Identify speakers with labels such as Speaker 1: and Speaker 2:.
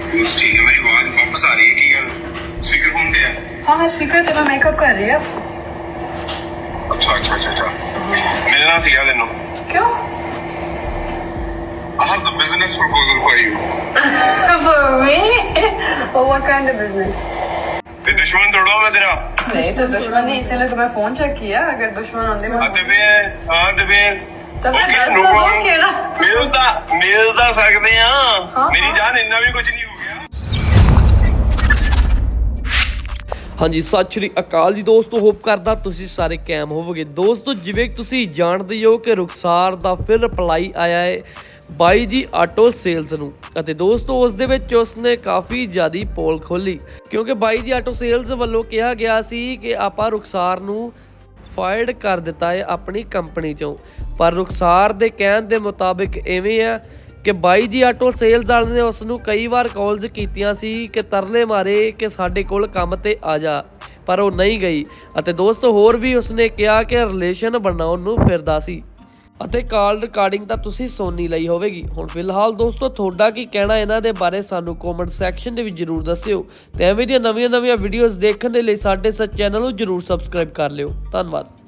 Speaker 1: बस ठीक है। मेरी आवाज वापस आ रही है की गल स्पीकर फोन पे है?
Speaker 2: हाँ स्पीकर ते मैं मेकअप कर रही है।
Speaker 1: अच्छा अच्छा अच्छा अच्छा मिलना सीगा तेनू।
Speaker 2: क्यों?
Speaker 1: I have the business proposal for you.
Speaker 2: For me? Oh, what kind of business?
Speaker 1: ते दुश्मन थोड़ा मैं तेरा।
Speaker 2: नहीं तो दुश्मन नहीं, इसीलिए तो मैं फोन चेक किया। अगर दुश्मन होने में
Speaker 1: हाँ ते फिर
Speaker 2: तो फिर
Speaker 1: Okay,
Speaker 2: दस
Speaker 1: no
Speaker 2: तो
Speaker 1: problem.
Speaker 2: हो गया।
Speaker 1: मिल ता सकते हैं।
Speaker 2: हाँ,
Speaker 1: मेरी
Speaker 2: हाँ।
Speaker 1: जान इतना भी कुछ नहीं हो गया।
Speaker 3: ਹਾਂਜੀ ਸਤਿ ਸ਼੍ਰੀ ਅਕਾਲ ਜੀ ਦੋਸਤੋ, ਹੋਪ ਕਰਦਾ ਤੁਸੀਂ ਸਾਰੇ ਕੈਮ ਹੋਵੋਗੇ। ਦੋਸਤੋ ਜਿਵੇਂ ਤੁਸੀਂ ਜਾਣਦੇ ਹੋ ਕਿ ਰੁਖਸਾਰ ਦਾ ਫਿਰ ਰਿਪਲਾਈ ਆਇਆ ਹੈ ਬਾਈ ਜੀ ਆਟੋ ਸੇਲਸ ਨੂੰ, ਅਤੇ ਦੋਸਤੋ ਉਸ ਦੇ ਵਿੱਚ ਉਸਨੇ ਕਾਫੀ ਜ਼ਿਆਦੀ ਪੋਲ ਖੋਲੀ, ਕਿਉਂਕਿ ਬਾਈ ਜੀ ਆਟੋ ਸੇਲਸ ਵੱਲੋਂ ਕਿਹਾ ਗਿਆ ਸੀ ਕਿ ਆਪਾਂ ਰੁਖਸਾਰ ਨੂੰ ਫਾਇਰਡ ਕਰ ਦਿੱਤਾ ਹੈ ਆਪਣੀ ਕੰਪਨੀ ਚੋਂ। ਪਰ ਰੁਖਸਾਰ ਦੇ ਕਹਿਣ ਦੇ ਮੁਤਾਬਿਕ ਇਵੇਂ ਆ ਕਿ ਬਾਈ ਜੀ ਆਟੋ ਸੇਲਸ ਵਾਲੇ ਨੇ ਉਸ ਨੂੰ ਕਈ ਵਾਰ ਕਾਲਸ ਕੀਤੀਆਂ ਸੀ ਕਿ ਤਰਲੇ ਮਾਰੇ ਕਿ ਸਾਡੇ ਕੋਲ ਕੰਮ ਤੇ ਆ ਜਾ, ਪਰ ਉਹ ਨਹੀਂ ਗਈ। ਅਤੇ ਦੋਸਤੋ ਹੋਰ ਵੀ ਉਸਨੇ ਕਿਹਾ ਕਿ ਰਿਲੇਸ਼ਨ ਬਣਾਉਣ ਨੂੰ ਫਿਰਦਾ ਸੀ, ਅਤੇ ਕਾਲ ਰਿਕਾਰਡਿੰਗ ਤਾਂ ਤੁਸੀਂ ਸੁਣੀ ਲਈ ਹੋਵੇਗੀ। ਹੁਣ ਫਿਲਹਾਲ ਦੋਸਤੋ ਤੁਹਾਡਾ ਕੀ ਕਹਿਣਾ ਇਹਨਾਂ ਦੇ ਬਾਰੇ ਸਾਨੂੰ ਕਮੈਂਟ ਸੈਕਸ਼ਨ ਦੇ ਵਿੱਚ ਜ਼ਰੂਰ ਦੱਸਿਓ, ਤੇ ਐਵੇਂ ਦੀਆਂ ਨਵੀਆਂ ਵੀਡੀਓਜ਼ ਦੇਖਣ ਦੇ ਲਈ ਸਾਡੇ ਇਸ ਚੈਨਲ ਨੂੰ ਜ਼ਰੂਰ ਸਬਸਕ੍ਰਾਈਬ ਕਰ ਲਿਓ। ਧੰਨਵਾਦ।